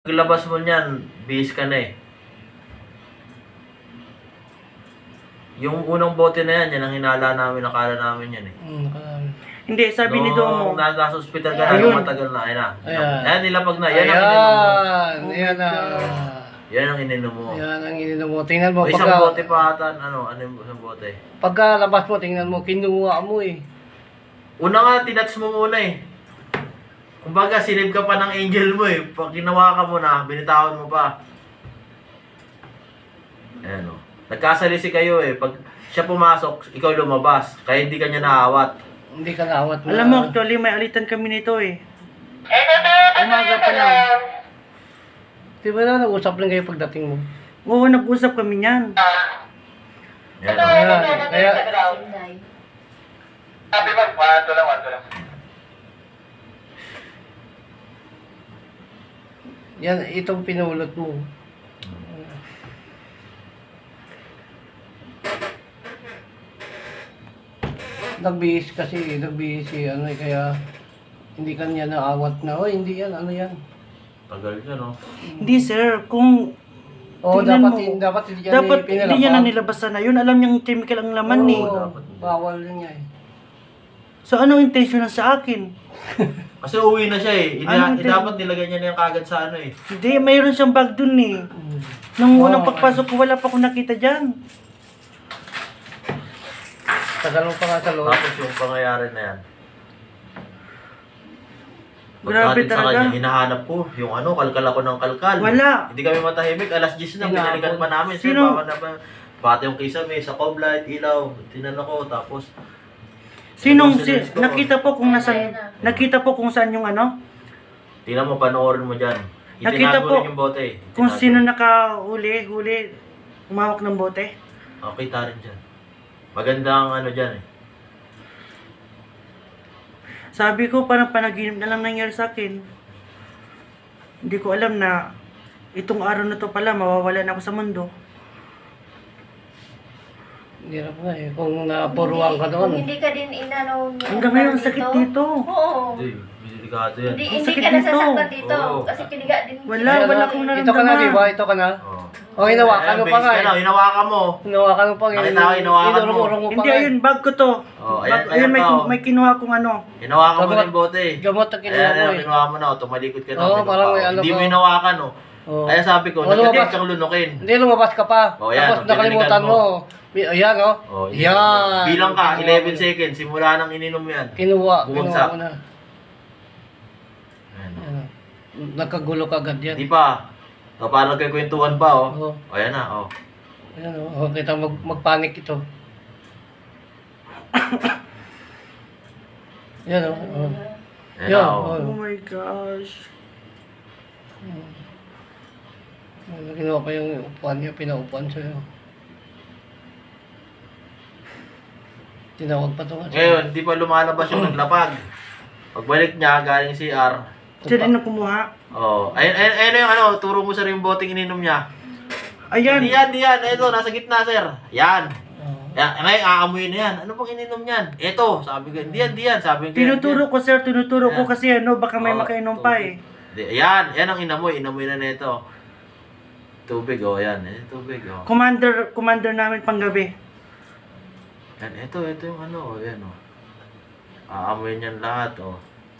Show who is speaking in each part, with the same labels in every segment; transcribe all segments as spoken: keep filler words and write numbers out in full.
Speaker 1: Paglabas mo niyan, bihis ka na eh. Yung unang bote na yan, yan ang hinala namin, nakala namin yan eh.
Speaker 2: Hmm, nakalami.
Speaker 3: Hindi, sabi ni Domo.
Speaker 1: Nung nasa hospital ka na,
Speaker 3: Ayun.
Speaker 1: nung matagal na, ayun na.
Speaker 2: Ayan.
Speaker 1: Ayan, nilapag na. Yan ang ininom mo.
Speaker 2: Ayan,
Speaker 3: Oh
Speaker 2: ayan
Speaker 3: my
Speaker 2: na.
Speaker 3: God.
Speaker 1: Yan ang ininom mo.
Speaker 2: Ayan ang ininom mo. Tingnan mo,
Speaker 1: May isang
Speaker 2: pagka,
Speaker 1: bote pa ata, ano, ano yung isang bote?
Speaker 2: pagka labas mo, tingnan mo, kinuha mo eh.
Speaker 1: Una nga, tinats mo muna eh. Kumbaga, sinib ka pa ng angel mo eh. Pag ginawa ka mo na, binitawan mo pa. Ayan o. Nagkasalisi kayo eh. Pag siya pumasok, ikaw lumabas. Kaya hindi ka niya naawat.
Speaker 2: Hindi ka naawat mo.
Speaker 3: Alam mo, actually, may alitan kami nito eh. Umaga pa lang.
Speaker 2: Di ba na, nag-usap lang kayo pagdating mo?
Speaker 3: Oo, nag-usap kami niyan.
Speaker 1: Ayan o.
Speaker 2: Ayan, kaya,
Speaker 4: Sabi mo, one, two lang, one, two lang.
Speaker 2: yan, itong pinulot mo. Nagbihis kasi, nagbihis si ano eh, kaya hindi kanya naawat na, oh hindi yan, ano yan.
Speaker 1: Tagal niya no.
Speaker 3: Hindi sir, kung
Speaker 2: Oo,
Speaker 3: Tingnan
Speaker 2: dapat,
Speaker 3: mo.
Speaker 2: hin- dapat hindi yan
Speaker 3: dapat
Speaker 2: pinalapag.
Speaker 3: hindi niya na nilabasan na yun, alam niyang chemical ang laman eh.
Speaker 2: Oo,
Speaker 1: dapat hindi.
Speaker 2: bawal din niya eh.
Speaker 3: So anong intention na sa akin?
Speaker 1: Kasi uwi na siya eh. Ina,
Speaker 3: Anong
Speaker 1: eh, dapat nilagay niya na yung kagad sa ano eh.
Speaker 3: Hindi, mayroon siyang bag dun eh.
Speaker 2: Mm.
Speaker 3: Nung unang
Speaker 2: Oo,
Speaker 3: pagpasok ko, wala pa akong nakita dyan.
Speaker 2: Tagal mo pa nga sa loob.
Speaker 1: Tapos yung pangyayari na yan.
Speaker 3: Grabe
Speaker 1: Pagdating sa
Speaker 3: talaga.
Speaker 1: kanya, hinahanap ko yung ano, kalkal ako ng kalkal.
Speaker 3: Wala.
Speaker 1: Hindi kami matahimik, alas diyes na,
Speaker 2: Hinabol.
Speaker 1: pinalikan pa namin. Sir,
Speaker 3: Sino?
Speaker 1: baka na ba? Bate yung kisame, sa cob light, ilaw, tinan ako, tapos
Speaker 3: Sinong,
Speaker 1: Ano,
Speaker 3: si,
Speaker 1: sinunod ko?
Speaker 3: nakita po kung nasan, nakita po kung saan yung ano?
Speaker 1: tingnan mo, panoorin mo dyan.
Speaker 3: Nakita
Speaker 1: Itinago
Speaker 3: po
Speaker 1: rin yung bote eh.
Speaker 3: Kung
Speaker 1: Itinago.
Speaker 3: sino nakahuli, huli, umawak ng bote.
Speaker 1: Oh, kita rin dyan. Magandang ano dyan eh.
Speaker 3: Sabi ko, parang panaginip na lang nangyari sa akin. Hindi ko alam na itong araw na to pala, mawawala na ako sa mundo.
Speaker 2: Hirap nga eh, kung napuruan ka doon.
Speaker 5: Kung hindi ka din inano
Speaker 3: Hanggang ngayon, ang sakit dito.
Speaker 5: Oo.
Speaker 1: Hindi, delikado yan.
Speaker 5: Hindi,
Speaker 3: Ang
Speaker 5: hindi
Speaker 3: sakit
Speaker 5: ka
Speaker 3: dito.
Speaker 5: nasasaktan dito.
Speaker 1: Oo.
Speaker 5: Kasi piniga din.
Speaker 3: Wala,
Speaker 2: Ayan,
Speaker 3: wala
Speaker 2: oh,
Speaker 3: akong
Speaker 2: Ito ka na,
Speaker 3: nararamdaman.
Speaker 2: di ba? Ito ka na.
Speaker 1: Oh.
Speaker 2: Oh, hinawakan
Speaker 1: Ayan,
Speaker 2: mo pa
Speaker 1: base
Speaker 2: nga
Speaker 1: ka na,
Speaker 2: eh.
Speaker 1: hinawakan mo.
Speaker 2: Hinawakan mo pa nga.
Speaker 1: Nakita ko, hinawakan mo.
Speaker 2: Inurong-urong mo pa
Speaker 3: Hindi,
Speaker 2: nga eh.
Speaker 3: ayun, bag ko to.
Speaker 1: Oh,
Speaker 3: Bag,
Speaker 1: ayan,
Speaker 3: ayun,
Speaker 1: ayan
Speaker 3: may,
Speaker 1: pa, oh.
Speaker 3: may kinuha kong ano.
Speaker 1: Hinawakan mo
Speaker 2: Gamot.
Speaker 1: na yung bote eh.
Speaker 2: Gamot na kinuha
Speaker 1: Ayan,
Speaker 2: mo
Speaker 1: ayan,
Speaker 2: eh.
Speaker 1: kinuha mo na, oh, tumalikod ka na.
Speaker 2: Oo,
Speaker 1: may
Speaker 2: parang
Speaker 1: lupa,
Speaker 2: may
Speaker 1: oh.
Speaker 2: ano
Speaker 1: Hindi mo
Speaker 2: ka.
Speaker 1: hinawakan oh.
Speaker 2: Oh.
Speaker 1: Kaya sabi ko,
Speaker 2: Oh,
Speaker 1: nagkadit
Speaker 2: lumabas.
Speaker 1: kang lunukin.
Speaker 2: Hindi, lumabas ka pa.
Speaker 1: Oh, yan,
Speaker 2: Tapos
Speaker 1: oh,
Speaker 2: nakalimutan
Speaker 1: pinalikan
Speaker 2: mo.
Speaker 1: mo.
Speaker 2: Bi- Ayan, oh.
Speaker 1: Oh,
Speaker 2: Yan.
Speaker 1: Bilang ka,
Speaker 2: Kinuha
Speaker 1: eleven
Speaker 2: mo na.
Speaker 1: seconds, simula nang ininom yan.
Speaker 2: Kinuha,
Speaker 1: Bumagsak.
Speaker 2: kinuha mo na.
Speaker 1: Ayan, oh.
Speaker 2: Ayan, oh. Nagkagulo ka agad yan.
Speaker 1: Hindi pa. So, parang nagkikwentuhan pa oh.
Speaker 2: Oo.
Speaker 1: O, ayan na, oh.
Speaker 2: Ayan, oh. Oh, kita mag magpanik ito. Ayan, oh. oh.
Speaker 1: Ayan
Speaker 2: Yan,
Speaker 1: na, oh.
Speaker 2: oh.
Speaker 3: Oh my gosh.
Speaker 2: Ano, kinuha pa yung upuan niya, pinaupuan sa'yo. Tinawag pa ito nga.
Speaker 1: Ngayon, hindi pa lumalabas yung naglapag. Pagbalik niya, galing C R.
Speaker 3: Siya din ang kumuha.
Speaker 1: Oh, ayun, ayun, ayun na yung ano, turo mo sir yung boteng ininom niya.
Speaker 3: Ayan.
Speaker 1: Di yan, di yan. Ito, nasa gitna, sir. Yan.
Speaker 2: Oh.
Speaker 1: Yan. Ngayon, aamuyin na yan. Ano pang ininom niyan? Ito, sabi ko, di yan, di yan. Sabi ko, yan,
Speaker 3: Tinuturo ko sir, tinuturo ko
Speaker 1: Ayan.
Speaker 3: kasi ano, baka may
Speaker 1: Oh,
Speaker 3: makainom pa eh.
Speaker 1: Di, yan, yan ang inamoy. Inamoy na nito. Tubig, oh, yan. Eh, tubig, oh.
Speaker 3: Commander, commander namin panggabi.
Speaker 1: Yan, ito, ito yung ano, oh, yan, oh. Aamuyin yan lahat, oh.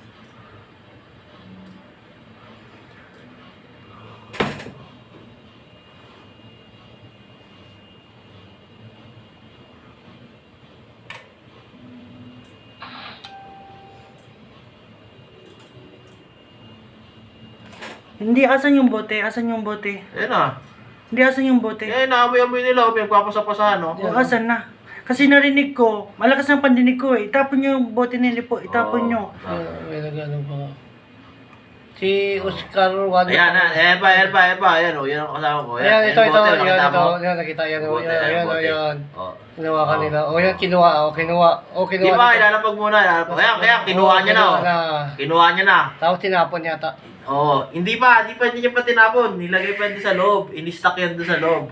Speaker 3: Hindi, asan yung bote? Asan yung bote?
Speaker 1: Yan na.
Speaker 3: Hindi, asan yung bote?
Speaker 1: Eh, naamoy-amoy nila, oh. Pinagpapasapasahan, oh.
Speaker 3: O, asan na? Kasi narinig ko, malakas ang pandinig ko eh. Itapon nyo yung bote nila po, itapon nyo.
Speaker 1: Ah.
Speaker 2: Ayan, may nagano pa. Si Oscar Juan.
Speaker 1: Ayan na, ayan pa, ayan pa, ayan pa, ayan o, yan ang kasama ko.
Speaker 2: Ayan, ito,
Speaker 1: yung
Speaker 2: ito,
Speaker 1: bote,
Speaker 2: yan,
Speaker 1: nakita
Speaker 2: ito.
Speaker 1: mo?
Speaker 2: Yan, nakita, yan,
Speaker 1: Bote,
Speaker 2: yan, yan,
Speaker 1: bote.
Speaker 2: yan.
Speaker 1: Oh.
Speaker 2: Kinuha ka
Speaker 1: Oh.
Speaker 2: nila. O, yan, kinuha, o, kinuha. O,
Speaker 1: Di
Speaker 2: kinuha.
Speaker 1: ba,
Speaker 2: nito.
Speaker 1: ilalapag muna, ilalapag. Ayan, kaya, kinuha
Speaker 2: Oo,
Speaker 1: niya na, oh.
Speaker 2: kinuha na.
Speaker 1: Kinuha niya na.
Speaker 2: Tapos tinapon yata.
Speaker 1: Oo, hindi pa, hindi pa niya pa tinapon. Nilagay pa doon sa loob. Ini-stack yan doon sa loob.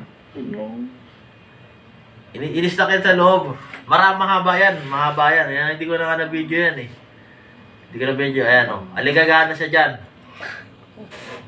Speaker 1: Ini ini-stack yan sa loob. Marami mahaba yan, mahaba yan. Ayan, hindi ko na nga na video yan eh. Hindi ko na video, ayan o. Oh. Aligagana siya dyan.